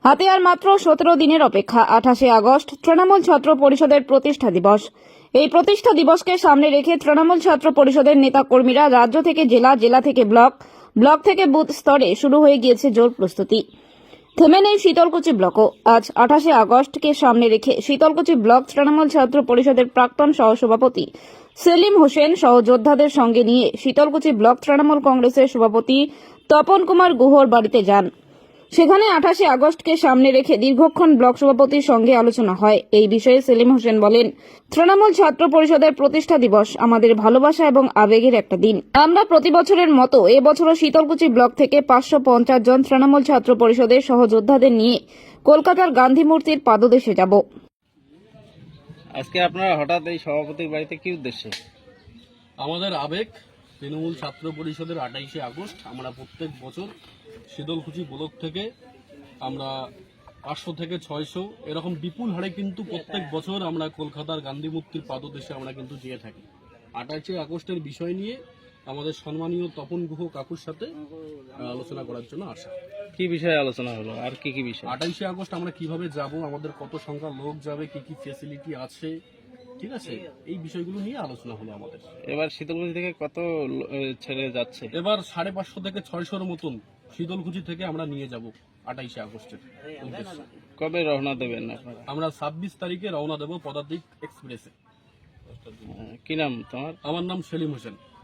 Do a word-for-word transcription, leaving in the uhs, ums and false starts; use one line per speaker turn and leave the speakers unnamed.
হাতে আর মাত্র সতেরো দিনের অপেক্ষা। আঠাশে আগস্ট তৃণমূল ছাত্র পরিষদের প্রতিষ্ঠা দিবস। এই প্রতিষ্ঠা দিবসকে সামনে রেখে তৃণমূল ছাত্র পরিষদের নেতা কর্মীরা রাজ্য থেকে জেলা, জেলা থেকে ব্লক, ব্লক থেকে বুথ স্তরে শুরু হয়ে গিয়েছে জোর প্রস্তুতি। থেমে নেই শীতলকুচি ব্লকও। আজ আঠাশে আগস্টকে সামনে রেখে শীতলকুচি ব্লক তৃণমূল ছাত্র পরিষদের প্রাক্তন সহসভাপতি সেলিম হোসেন সহ যোদ্ধাদের সঙ্গে নিয়ে শীতলকুচি ব্লক তৃণমূল কংগ্রেসের সভাপতি তপন কুমার গুহর বাড়িতে যান। সেখানে আঠাশে আগস্টকে সামনে রেখে দীর্ঘক্ষণ ব্লক সভাপতির সঙ্গে আলোচনা হয়। এই বিষয়ে সেলিম হোসেন বলেন, তৃণমূল ছাত্র পরিষদের প্রতিষ্ঠা দিবস আমাদের ভালোবাসা এবং আবেগের একটা দিন। আমরা প্রতি বছরের মতো এবছরও শীতলকুচি ব্লক থেকে পাঁচশো পঞ্চাশ জন তৃণমূল ছাত্র পরিষদের সহযোদ্ধাদের নিয়ে কলকাতার গান্ধী মূর্তির পাদদেশে যাব।
আজকে আপনারা হঠাৎ এই সভাপতির বাড়িতে কি উদ্দেশ্যে?
আমাদের আবেগ তৃণমূল ছাত্র পরিষদের আঠাইশে আগস্ট আমরা প্রত্যেক বছর শীতলকুচি ব্লক থেকে আমরা পাঁচশো থেকে ছয়শো এরকম বিপুল হারে কিন্তু প্রত্যেক বছর আমরা কলকাতার গান্ধী মূর্তির পাদদেশে আমরা কিন্তু যেয়ে থাকি। আঠাইশে আগস্টের বিষয় নিয়ে আমাদের সম্মানীয় তপন গুহ কাকুর সাথে আলোচনা করার জন্য আসা।
কি বিষয়ে আলোচনা হলো আর কি কি বিষয়?
আঠাইশে আগস্ট আমরা কিভাবে যাব, আমাদের কত সংখ্যা লোক যাবে, কি কি ফ্যাসিলিটি আছে, ঠিক আছে, এই বিষয়গুলো নিয়ে আলোচনা হলো আমাদের।
এবার শীতলকুচি থেকে কত লো- এ, ছেলে যাচ্ছে?
এবার সাড়ে পাঁচশো থেকে ছয়শোর মতন শীতলকুচি থেকে আমরা নিয়ে যাব আঠাইশে আগস্টের উদ্দেশ্যে।
কবে রওনা দেবেন আপনারা?
আমরা ছাব্বিশ তারিখে রওনা দেব পদাতিক এক্সপ্রেসে।
কি নাম তোমার?
আমার নাম সেলিম হোসেন।